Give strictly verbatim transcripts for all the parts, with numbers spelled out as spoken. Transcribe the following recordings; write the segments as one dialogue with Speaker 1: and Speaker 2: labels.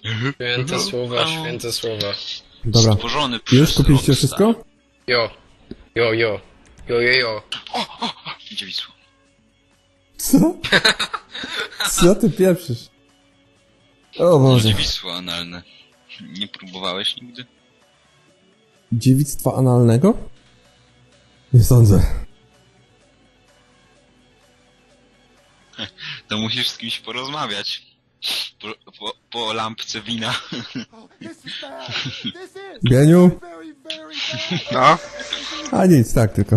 Speaker 1: Święte słowa, święte słowa.
Speaker 2: Dobra.
Speaker 3: Stworzony przez
Speaker 2: Już kupiliście
Speaker 3: Rockstar.
Speaker 2: wszystko?
Speaker 1: Jo. Jo, jo. Jo, jo, jo.
Speaker 3: O, o, o, idzie Wisła.
Speaker 2: Co? Co ty pieprzysz? O Boże.
Speaker 3: Idzie Wisła analne. Nie próbowałeś nigdy?
Speaker 2: Dziewictwa analnego? Nie sądzę.
Speaker 3: To musisz z kimś porozmawiać. Po, po, po lampce wina.
Speaker 2: Bieniu?
Speaker 4: No?
Speaker 2: A nic, tak tylko.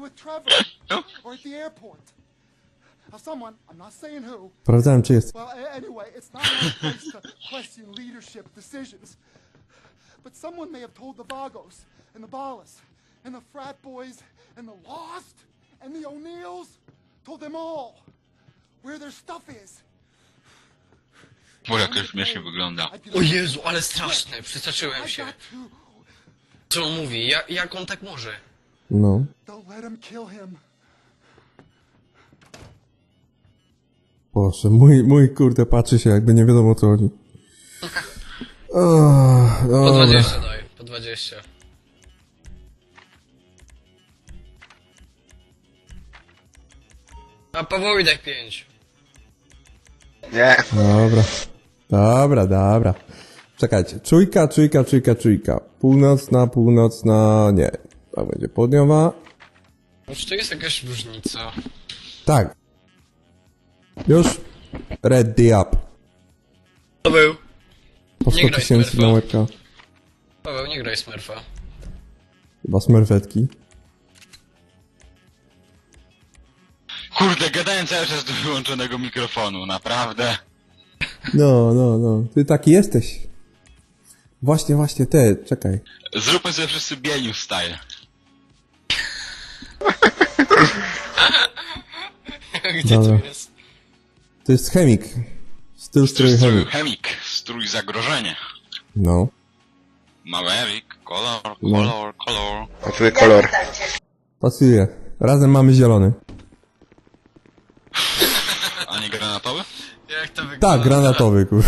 Speaker 5: Someone, I'm not saying who.
Speaker 2: Sprawdzałem, czy jest.
Speaker 5: Well, a- anyway, it's not my place to question leadership decisions. But someone may have told the Vagos, and the Ballas, and the frat boys, and the Lost, and the O'Neills, told them all where their stuff is.
Speaker 3: Bo jak to śmiesznie wygląda.
Speaker 1: O Jezu, ale straszne, przestraszyłem się. Co on mówi? Ja, jak on tak może?
Speaker 2: No.
Speaker 5: Don't let him kill him.
Speaker 2: Boże, mój, mój kurde patrzy się, jakby nie wiadomo o co chodzi. O,
Speaker 1: Po
Speaker 2: dobra.
Speaker 1: dwadzieścia daj, po dwadzieścia. A Pawołidek pięć.
Speaker 4: Nie.
Speaker 2: Dobra. Dobra, dobra. Czekajcie. Czujka, czujka, czujka, czujka. Północna, północna... Nie. To będzie południowa.
Speaker 1: Czy to jest jakaś różnica?
Speaker 2: Tak. Już. Ready up.
Speaker 1: Paweł.
Speaker 2: Po
Speaker 1: Nie
Speaker 2: sto
Speaker 1: graj
Speaker 2: tysięcy
Speaker 1: Smurfa.
Speaker 2: na łebka.
Speaker 1: Paweł, nie graj Smurfa.
Speaker 2: Chyba smerfetki.
Speaker 3: Kurde, gadałem cały czas do wyłączonego mikrofonu, naprawdę.
Speaker 2: No, no, no. Ty taki jesteś. Właśnie, właśnie, te, czekaj.
Speaker 3: Zróbmy sobie wszyscy Bieniu style.
Speaker 1: Gdzie
Speaker 2: Dobra.
Speaker 1: to jest?
Speaker 2: To jest chemik. Styl strój
Speaker 3: Strój
Speaker 2: chemik.
Speaker 3: chemik, strój zagrożenie.
Speaker 2: No.
Speaker 3: Maverick, kolor,
Speaker 2: No.
Speaker 3: kolor, kolor.
Speaker 4: A twój kolor.
Speaker 2: Pasuje. Razem mamy zielony.
Speaker 3: A nie granatowy?
Speaker 1: Jak to wygląda?
Speaker 2: Tak, granatowy, kur.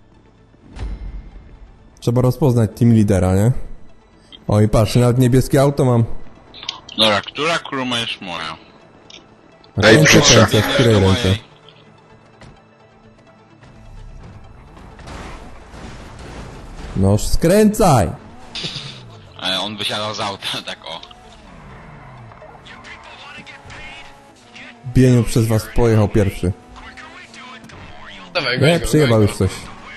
Speaker 2: Trzeba rozpoznać team lidera, nie? O i patrz, nawet niebieskie auto mam.
Speaker 3: Dobra, która kuruma jest moja?
Speaker 2: Ręce,
Speaker 4: proszę.
Speaker 2: ręce, w której
Speaker 3: Do
Speaker 2: ręce?
Speaker 3: mojej.
Speaker 2: No skręcaj!
Speaker 3: Ale on wysiadał z auta, tak o.
Speaker 2: Bieniu przez was pojechał pierwszy.
Speaker 1: Dawaj go,
Speaker 2: Nie,
Speaker 1: go,
Speaker 2: przyjebał
Speaker 1: go,
Speaker 2: już coś.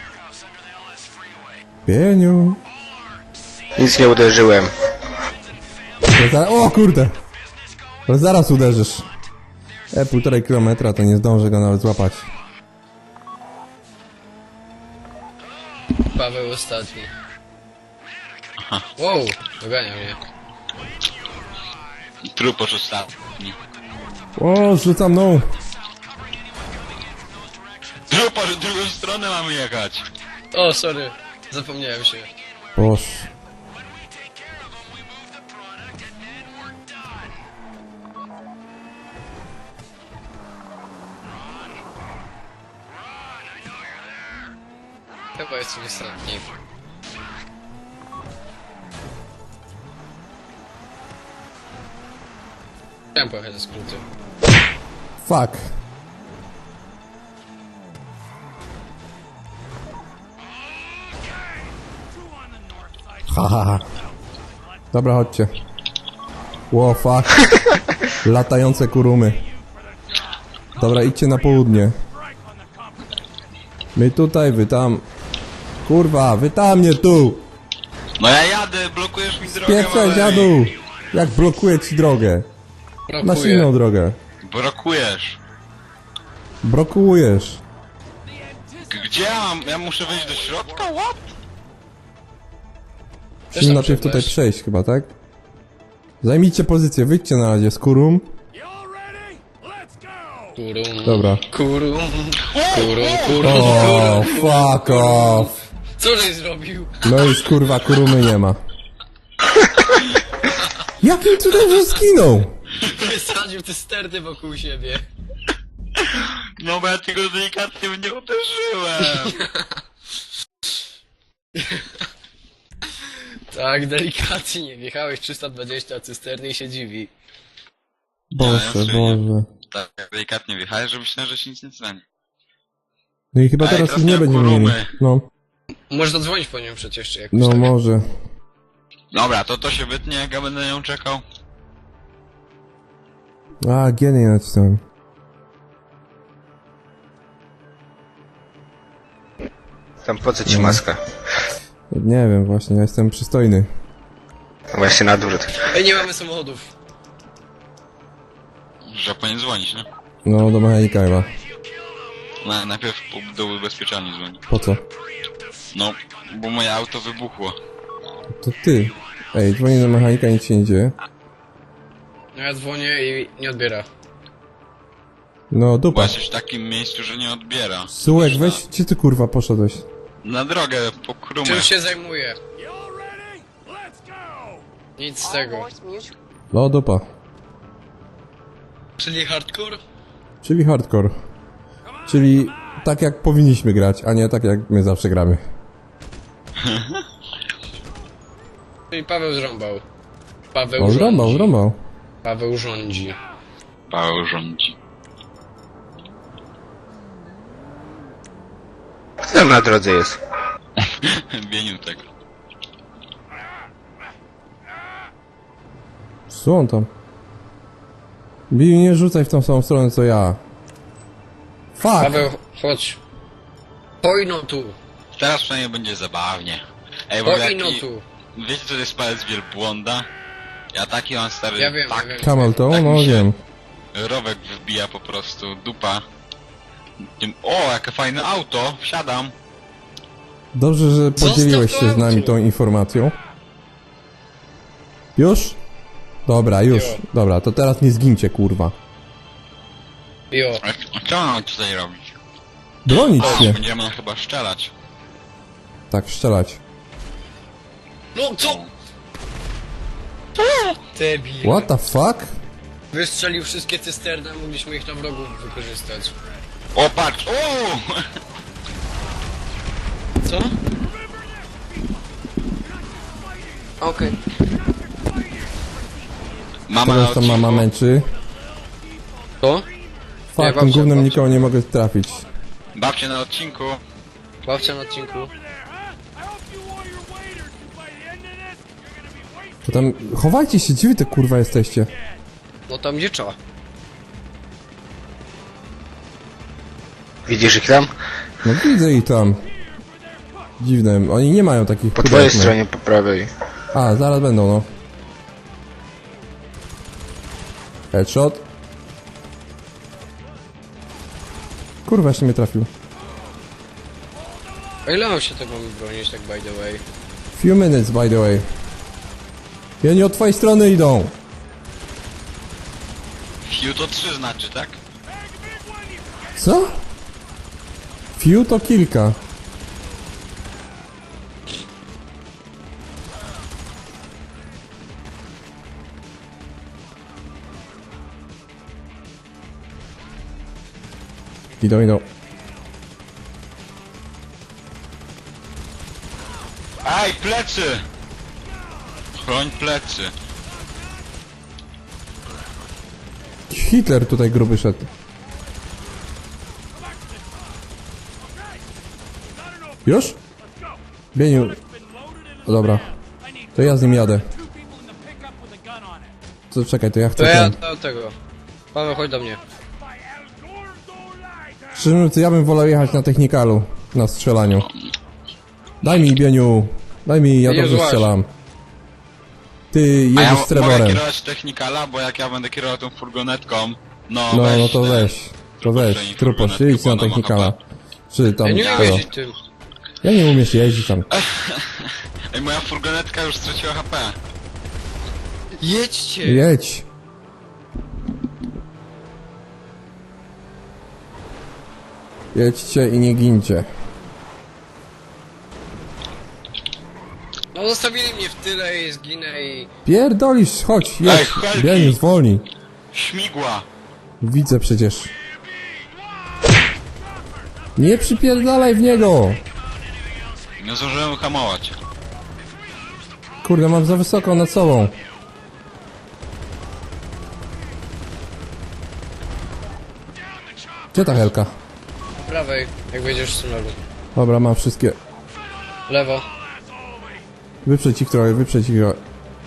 Speaker 2: Bieniu.
Speaker 4: Nic nie uderzyłem.
Speaker 2: To za... O kurde! To zaraz uderzysz. E, półtorej kilometra, to nie zdążę go nawet złapać.
Speaker 1: Paweł ostatni. Wow, dogania mnie.
Speaker 3: Truposz ostatni.
Speaker 2: O, rzucam no!
Speaker 3: Truposz, w drugą stronę mamy jechać.
Speaker 1: O, sorry. Zapomniałem się.
Speaker 2: Boż.
Speaker 1: Chyba jestem ostatni. Chciałem pojechać ze skróty.
Speaker 2: Fuck. Ha, ha, ha. Dobra, chodźcie. Ło, fuck. Latające kurumy. Dobra, idźcie na południe. My tutaj, wy tam. Kurwa, wy tam, nie tu.
Speaker 3: No ja jadę, blokujesz mi drogę,
Speaker 2: Pieprzaj,
Speaker 3: Maverick.
Speaker 2: dziadu. Jak blokuję ci drogę. Masz
Speaker 1: Brakuje.
Speaker 2: inną drogę.
Speaker 3: Blokujesz.
Speaker 2: Blokujesz.
Speaker 3: G- Gdzie ja mam? Ja muszę wejść do środka? What?
Speaker 1: Też
Speaker 2: Musimy
Speaker 1: tam
Speaker 2: najpierw tutaj
Speaker 1: przejdziesz.
Speaker 2: przejść chyba, tak? Zajmijcie pozycję, wyjdźcie na razie z kurum.
Speaker 1: Kurum.
Speaker 2: Dobra.
Speaker 1: Kurum. Kurum, kurum,
Speaker 2: O,
Speaker 1: kurum.
Speaker 2: fuck off.
Speaker 1: Co żeś zrobił?
Speaker 2: No już kurwa, kurumy nie ma. Jakim cudem że zginął?
Speaker 1: Wysadził te sterty wokół siebie.
Speaker 3: No bo ja tego delikatnie nie uderzyłem.
Speaker 1: Tak, delikatnie. Wjechałeś trzysta dwadzieścia cysterny i się dziwi.
Speaker 2: Boże,
Speaker 3: Ja
Speaker 2: Boże.
Speaker 3: Tak, delikatnie wjechałeś, że myślałem, że się nic nie stanie.
Speaker 2: No i chyba
Speaker 3: Ej,
Speaker 2: teraz
Speaker 3: teraz
Speaker 2: już nie
Speaker 3: miałem
Speaker 2: będziemy mieli.
Speaker 3: kurumy.
Speaker 2: No,
Speaker 1: Możesz zadzwonić po nią przecież, czy jakoś
Speaker 2: no
Speaker 1: tak.
Speaker 2: może.
Speaker 3: Dobra, to to się wytnie, jak ja będę na nią czekał.
Speaker 2: A, G nie nacisnąłem.
Speaker 4: Tam po co ci maska?
Speaker 2: Nie wiem, właśnie, ja jestem przystojny.
Speaker 4: Właśnie na odwrót.
Speaker 1: Ej, nie mamy samochodów.
Speaker 3: Że powinien dzwonić, nie?
Speaker 2: No, do mechanika chyba.
Speaker 3: Na, najpierw po- do ubezpieczalni dzwoni.
Speaker 2: Po co?
Speaker 3: No, bo moje auto wybuchło.
Speaker 2: To ty. Ej, dzwonię do mechanika, nic się nie dzieje.
Speaker 1: No ja dzwonię i nie odbiera.
Speaker 2: No,
Speaker 3: Bo
Speaker 2: dupa.
Speaker 3: jesteś w takim miejscu, że nie odbiera.
Speaker 2: Sułek, weź, gdzie ty kurwa poszedłeś?
Speaker 3: Na drogę, po krumę.
Speaker 1: Czym się zajmuje? Nic z tego.
Speaker 2: No, dupa.
Speaker 1: Czyli hardcore?
Speaker 2: Czyli hardcore. Czyli tak jak powinniśmy grać, a nie tak jak my zawsze gramy.
Speaker 1: Czyli Paweł zrąbał. Paweł
Speaker 2: On
Speaker 1: rządzi.
Speaker 2: zrąbał, zrąbał.
Speaker 1: Paweł rządzi.
Speaker 3: Paweł rządzi.
Speaker 4: Kto tam na drodze jest?
Speaker 3: Bieniu tego.
Speaker 2: Co on tam? Bill, nie rzucaj w tą samą stronę co ja. Fuck!
Speaker 1: Paweł, chodź. Pojno tu.
Speaker 3: Teraz przynajmniej będzie zabawnie. Ej, bo
Speaker 1: Pojno
Speaker 3: jaki...
Speaker 1: tu.
Speaker 3: Wiecie, co to jest palec wielbłąda? Ja taki mam stary...
Speaker 1: Ja wiem,
Speaker 3: tak,
Speaker 1: ja wiem.
Speaker 2: Camel to?
Speaker 3: Tak
Speaker 2: No
Speaker 3: mi się-
Speaker 2: wiem.
Speaker 3: Rowek wbija po prostu, dupa. Tym- O, jakie fajne auto, wsiadam.
Speaker 2: Dobrze, że
Speaker 1: Zostaw
Speaker 2: podzieliłeś
Speaker 1: to
Speaker 2: się z nami
Speaker 1: auto.
Speaker 2: tą informacją. Już? Dobra, już.
Speaker 1: Jo.
Speaker 2: Dobra, to teraz nie zgincie, kurwa.
Speaker 1: Jo.
Speaker 3: A co mam tutaj robić?
Speaker 2: Bronić
Speaker 3: O,
Speaker 2: się.
Speaker 3: będziemy chyba strzelać.
Speaker 2: Tak, strzelać.
Speaker 1: No co? Debil.
Speaker 2: What the fuck?
Speaker 1: Wystrzelił wszystkie cysterny, a mogliśmy ich na wrogów wykorzystać.
Speaker 3: O, patrz! O!
Speaker 1: Co? Okej.
Speaker 3: Mama
Speaker 2: Teraz tam mama męczy.
Speaker 1: To?
Speaker 2: Fuck,
Speaker 1: babcia,
Speaker 2: tym gównem
Speaker 1: babcia.
Speaker 2: nikogo nie mogę trafić.
Speaker 3: Babcie na odcinku.
Speaker 1: Babcia na odcinku.
Speaker 2: To tam... Chowajcie się, gdzie wy te kurwa jesteście?
Speaker 1: No tam gdzie trzeba.
Speaker 4: Widzisz ich tam?
Speaker 2: No widzę ich tam. Dziwne, oni nie mają takich
Speaker 4: Po
Speaker 2: pudełek,
Speaker 4: twojej
Speaker 2: no.
Speaker 4: stronie, po prawej.
Speaker 2: A, zaraz będą, no. Headshot. Kurwa, jeszcze mnie trafił.
Speaker 1: A ile mam się tego bronić, tak by the way?
Speaker 2: Few minutes, by the way. I oni od twojej strony idą.
Speaker 3: Few to trzy znaczy, tak?
Speaker 2: Co? Few to kilka. Idą, idą.
Speaker 3: Aj, plecy! Chroń plecy.
Speaker 2: Hitler tutaj gruby szedł. Już? Bieniu. O, dobra. To ja z nim jadę. Co, czekaj, to ja
Speaker 1: To
Speaker 2: chcę
Speaker 1: ja
Speaker 2: ten.
Speaker 1: do tego. Paweł, chodź do mnie.
Speaker 2: Szczerze mówiąc, ja bym wolał jechać na technikalu. Na strzelaniu. Daj mi, Bieniu. Daj mi, ja
Speaker 1: Bieniu,
Speaker 2: dobrze
Speaker 1: złaź.
Speaker 2: strzelam. Ty
Speaker 3: A ja
Speaker 2: jedziesz z
Speaker 3: mogę
Speaker 2: Trevorem.
Speaker 3: kierować technikala, bo jak ja będę kierował tą furgonetką, no,
Speaker 2: No,
Speaker 3: weź
Speaker 2: no to
Speaker 3: ten-
Speaker 2: weź. To weź.
Speaker 3: Truposzczej
Speaker 2: Truposz,
Speaker 3: furgonetki,
Speaker 2: jedź
Speaker 3: bo
Speaker 2: na
Speaker 3: ona ma
Speaker 2: technikala.
Speaker 3: chyba-
Speaker 2: Czy tam
Speaker 1: Ja nie umiem
Speaker 2: tego.
Speaker 1: jeździć tym.
Speaker 2: Ja nie umiesz jeździć tam.
Speaker 3: Ej, moja furgonetka już straciła H P.
Speaker 1: Jedźcie!
Speaker 2: Jedź. Jedźcie i nie gincie.
Speaker 1: No zostawili mnie w tyle i zginę i...
Speaker 2: Pierdolisz, chodź,
Speaker 3: Ej,
Speaker 2: jedź.
Speaker 3: helki!
Speaker 2: Bieniu, zwolnij.
Speaker 3: Śmigła!
Speaker 2: Widzę przecież. Nie przypierdalaj w niego!
Speaker 3: Nie zdążyłem hamować.
Speaker 2: Kurde, mam za wysoko nad sobą. Gdzie ta helka?
Speaker 1: Po prawej, jak wejdziesz z tunelu.
Speaker 2: Dobra, mam wszystkie.
Speaker 1: Lewo.
Speaker 2: Wyprzeć ich trochę, wyprzeć ich trochę.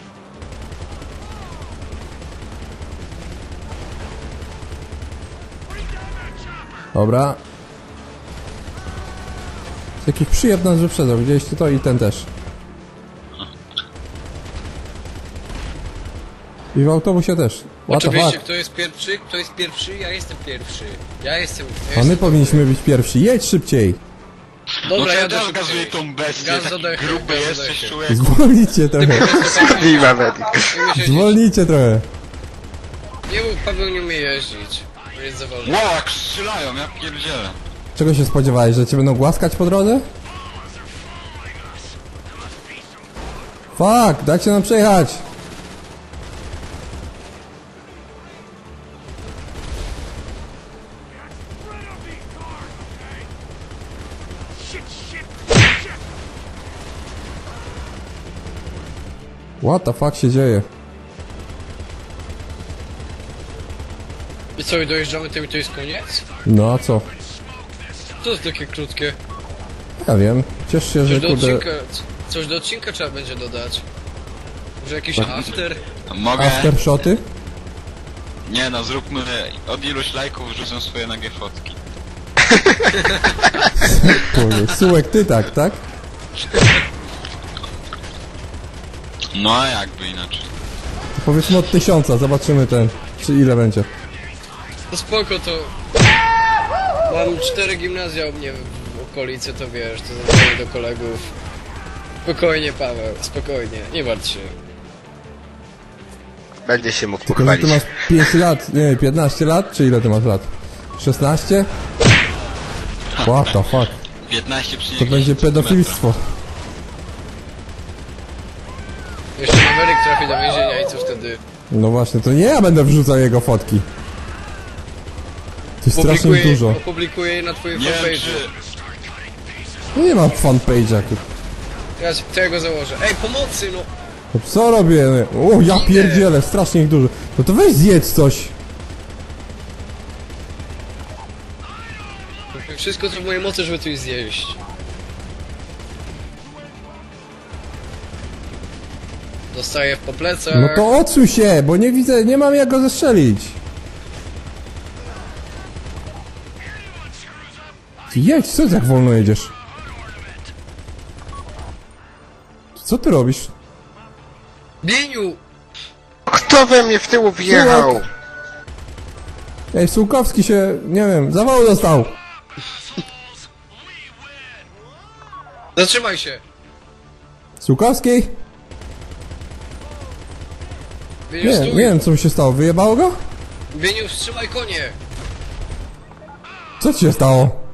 Speaker 2: Dobra. Jakiś przyjeb nas wyprzedzał, widzieliście to? I ten też. I w autobusie też. What the
Speaker 1: Oczywiście,
Speaker 2: fuck?
Speaker 1: kto jest pierwszy? Kto jest pierwszy? Ja jestem pierwszy. Ja jestem... Ja
Speaker 2: A my
Speaker 1: jestem
Speaker 2: powinniśmy być pierwsi. Jedź szybciej!
Speaker 3: No
Speaker 1: Dobra,
Speaker 3: to ja
Speaker 1: jadę
Speaker 3: też
Speaker 1: szybciej.
Speaker 3: gazuję tą bestię,
Speaker 1: Gaz
Speaker 3: taki
Speaker 1: dodechy,
Speaker 3: gruby
Speaker 1: gaz
Speaker 3: jesteś,
Speaker 1: dodechy.
Speaker 3: człowieku.
Speaker 2: Zwolnijcie trochę.
Speaker 4: Viva Medic.
Speaker 1: Nie umie jeździć.
Speaker 2: Zwolnijcie trochę.
Speaker 1: Nie mów, Paweł nie umie jeździć. Bo jest za wolny.
Speaker 3: Wow, jak strzelają, ja pierdzielę.
Speaker 2: Czego się spodziewałeś, że cię będą głaskać po drodze? Fuck, dajcie nam przejechać! What the fuck się dzieje?
Speaker 1: I co, i dojeżdżamy tym i to jest koniec?
Speaker 2: No a co?
Speaker 1: To jest takie krótkie.
Speaker 2: Ja wiem, ciesz się, że
Speaker 1: Coś do
Speaker 2: kurde...
Speaker 1: odcinka, coś do odcinka trzeba będzie dodać. Może jakiś after?
Speaker 3: Mogę?
Speaker 2: Aftershoty?
Speaker 3: Nie no, zróbmy od iluś lajków wrzucę swoje nagie fotki.
Speaker 2: Kurde, Sułek, ty tak, tak?
Speaker 3: No a jakby inaczej.
Speaker 2: Powiedzmy od tysiąca, zobaczymy ten, czy ile będzie.
Speaker 1: No spoko, to... Mam cztery gimnazja u mnie w okolicy, to wiesz, to zadzwonię do kolegów. Spokojnie, Paweł, spokojnie, nie martw się.
Speaker 4: Będzie się mógł
Speaker 2: Tylko, że ty
Speaker 4: pochwalić.
Speaker 2: masz pięć lat, nie, piętnaście lat, czy ile ty masz lat? szesnaście? What the fuck?
Speaker 3: piętnaście
Speaker 2: To będzie pedofilstwo.
Speaker 1: Jeszcze Maverick trafi do więzienia i co wtedy?
Speaker 2: No właśnie, to nie ja będę wrzucał jego fotki. To jest strasznie
Speaker 1: Opublikuję,
Speaker 2: dużo.
Speaker 1: opublikuję je na twoim
Speaker 3: Nie wiem
Speaker 1: fanpage'u.
Speaker 3: czy...
Speaker 2: No nie mam fanpage'a.
Speaker 1: Ja, to ja go założę. Ej, pomocy, no!
Speaker 2: No co robię? O, ja pierdzielę, strasznie ich dużo. No to weź zjedz coś.
Speaker 1: Wszystko co w mojej mocy, żeby coś zjeść. Dostaję po plecach.
Speaker 2: No to odsuń się, bo nie widzę, nie mam jak go zestrzelić. Ty jedź, co ty tak wolno jedziesz? Co ty robisz?
Speaker 1: Bieniu!
Speaker 4: Kto we mnie w tyłu wjechał?
Speaker 2: Ej, Sułkowski się, nie wiem, zawału dostał.
Speaker 1: Zatrzymaj się!
Speaker 2: Sułkowski?
Speaker 1: Bieniu,
Speaker 2: Nie,
Speaker 1: stój!
Speaker 2: nie wiem co mi się stało, wyjebało go?
Speaker 1: Bieniu, wstrzymaj konie!
Speaker 2: Co ci się stało?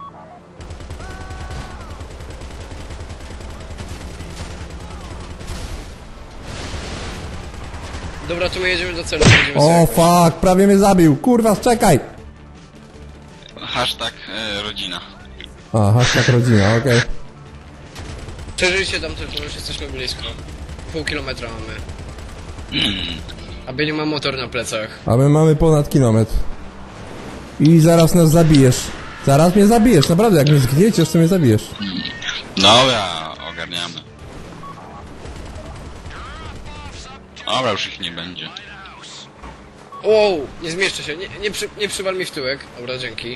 Speaker 1: Dobra, to my jedziemy do celu. Będziemy
Speaker 2: O
Speaker 1: sobie-
Speaker 2: fuck, prawie mnie zabił, kurwa, czekaj!
Speaker 3: Hashtag e, rodzina.
Speaker 2: A, hashtag rodzina, okej.
Speaker 1: Przeżyjcie tam tylko, już jesteśmy blisko. Pół kilometra mamy. A Bieniu ma motor na plecach.
Speaker 2: A my mamy ponad kilometr. I zaraz nas zabijesz. Zaraz mnie zabijesz, naprawdę, jak mnie zgnieciesz, to mnie zabijesz.
Speaker 3: Dobra, ogarniamy. Dobra, już ich nie będzie.
Speaker 1: Wow, nie zmieszczę się, nie, nie, przy, nie przywal mi w tyłek. Dobra, dzięki.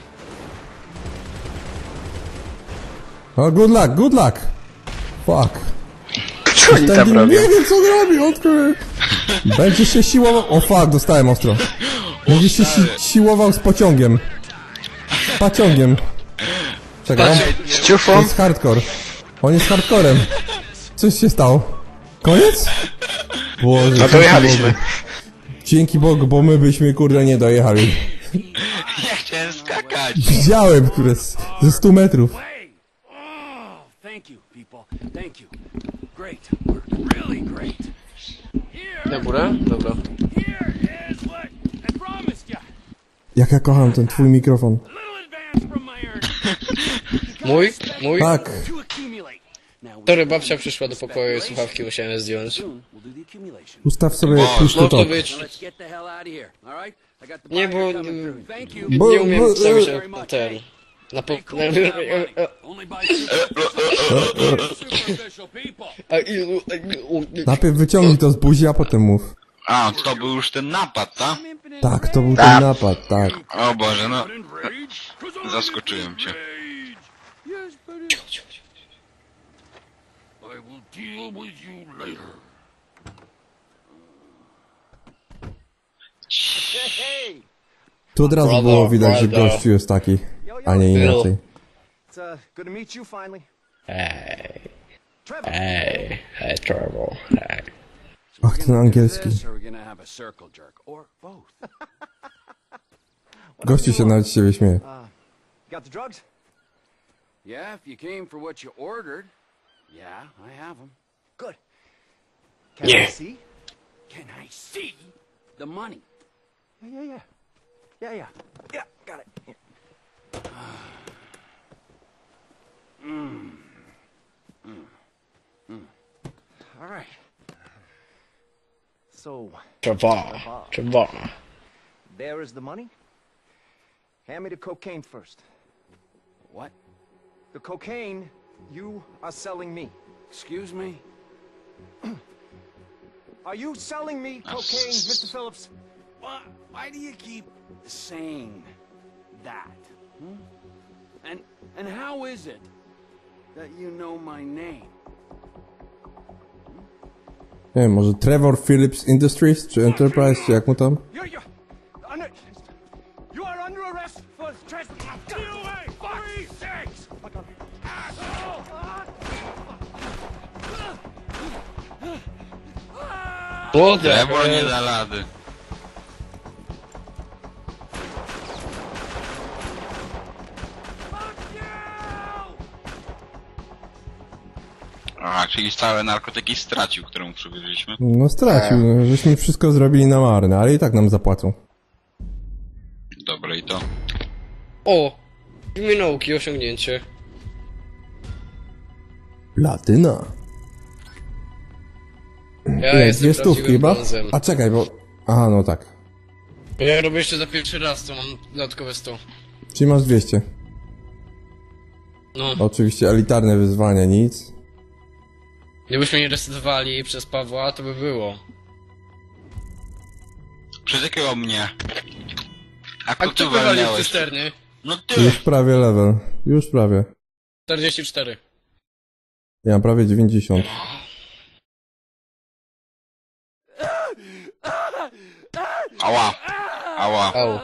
Speaker 2: O, good luck, good luck! Fuck.
Speaker 4: Co oni tam
Speaker 2: Ten
Speaker 4: robią?
Speaker 2: nie wiem co on robi, odkrył. Będzie się siłował... O fuck, dostałem ostro. Będzie się si siłował z pociągiem. Pociągiem. Czekaj, on,
Speaker 4: Z
Speaker 2: to
Speaker 4: ciufą?
Speaker 2: jest hardcore. On jest hardcorem. Coś się stało. Koniec? Boże,
Speaker 4: No
Speaker 2: dzięki
Speaker 4: dojechaliśmy.
Speaker 2: Bogu. Dzięki Bogu, bo my byśmy kurde nie dojechali.
Speaker 3: Ja chciałem skakać!
Speaker 2: Widziałem, które z, ze stu metrów.
Speaker 6: Oh, thank you, people. Thank you. Great work. Really great.
Speaker 1: Na górę? Dobra.
Speaker 6: Here is what I promised you.
Speaker 2: Jak ja kocham ten twój mikrofon.
Speaker 6: A little advance from my earnings.
Speaker 1: Mój? Mój?
Speaker 2: Tak.
Speaker 6: To accumulate.
Speaker 1: Tory babcia przyszła do pokoju i słuchawki musiałem zdjąć.
Speaker 6: Soon we'll do the accumulation.
Speaker 2: Ustaw sobie
Speaker 3: O,
Speaker 2: push to
Speaker 1: No to
Speaker 2: talk.
Speaker 1: być...
Speaker 6: Now let's get the hell out of here. All right? I got the
Speaker 1: Nie,
Speaker 6: buyer
Speaker 1: bo...
Speaker 6: coming through. Thank you.
Speaker 2: Bo-
Speaker 1: Nie umiem
Speaker 2: bo-
Speaker 1: stawić
Speaker 6: very
Speaker 1: na
Speaker 6: much.
Speaker 1: ten... Na po...
Speaker 6: Be cool with that money. Only by superficial people.
Speaker 1: A ilu... a ilu-
Speaker 2: Najpierw wyciągnij to z buzi, a potem mów.
Speaker 3: A, to był już ten napad, tak?
Speaker 2: Tak, to był
Speaker 4: Tak.
Speaker 2: ten napad, tak.
Speaker 3: O Boże, no. Zaskoczyłem cię.
Speaker 6: Yes, but it... I will deal with you later.
Speaker 7: Hey,
Speaker 2: Tu od razu
Speaker 1: Brawo,
Speaker 2: było widać, że
Speaker 1: brawo.
Speaker 2: gościu jest taki, a nie inaczej.
Speaker 7: it's uh, good to meet you finally.
Speaker 1: Ej,
Speaker 7: Trevor.
Speaker 1: ej, hej, Trevor, hej.
Speaker 2: Ach, ten angielski.
Speaker 6: This, or we're gonna have a circle jerk, or both.
Speaker 2: Gości się nawet z siebie śmieje.
Speaker 7: Got the drugs?
Speaker 6: Yeah, if you came for what you ordered. Yeah, I have them.
Speaker 7: Good. Can
Speaker 1: Yeah.
Speaker 7: I see?
Speaker 6: Can I see the money?
Speaker 7: Yeah, yeah, yeah. Yeah, yeah. Yeah, got it. Here. All right. So,
Speaker 1: Trevor, Trevor.
Speaker 7: there is the money. Hand me the cocaine first.
Speaker 6: What?
Speaker 7: The cocaine you are selling me.
Speaker 6: Excuse me?
Speaker 7: Are you selling me cocaine, Mister Phillips?
Speaker 6: Why, why do you keep saying that? Hmm? And and how is it that you know my name?
Speaker 2: Nie wiem, może Trevor Phillips Industries, czy Enterprise, czy jak mu tam?
Speaker 7: You're, you're under, you are under arrest for trespassing. Get away! Three, six!
Speaker 1: What the
Speaker 3: Trevor nie
Speaker 1: hell?
Speaker 3: da rady. A, czyli całe narkotyki stracił, które mu przywieźliśmy.
Speaker 2: No stracił, no, żeśmy wszystko zrobili na marne, ale i tak nam zapłacą.
Speaker 3: Dobre i to.
Speaker 1: O! Imię nauki, osiągnięcie.
Speaker 2: Platyna.
Speaker 1: Ja
Speaker 2: Ile?
Speaker 1: jestem
Speaker 2: Dwie stówki
Speaker 1: prawdziwym
Speaker 2: chyba?
Speaker 1: brązem.
Speaker 2: A czekaj, bo... Aha, no tak.
Speaker 1: Ja robię jeszcze za pierwszy raz, to mam dodatkowe sto.
Speaker 2: Czyli masz dwieście.
Speaker 1: No,
Speaker 2: Oczywiście elitarne wyzwania, nic.
Speaker 1: gdybyśmy nie resetowali przez Pawła, to by było.
Speaker 3: Przez jakiego mnie? A
Speaker 1: A
Speaker 3: kto
Speaker 1: kto
Speaker 3: ty
Speaker 1: wywalił
Speaker 3: walniałeś?
Speaker 1: cysterny?
Speaker 3: No ty!
Speaker 2: Już prawie level. Już prawie.
Speaker 1: czterdzieści cztery.
Speaker 2: Ja mam prawie dziewięćdziesiąt.
Speaker 3: Ała! Ała!
Speaker 1: Au.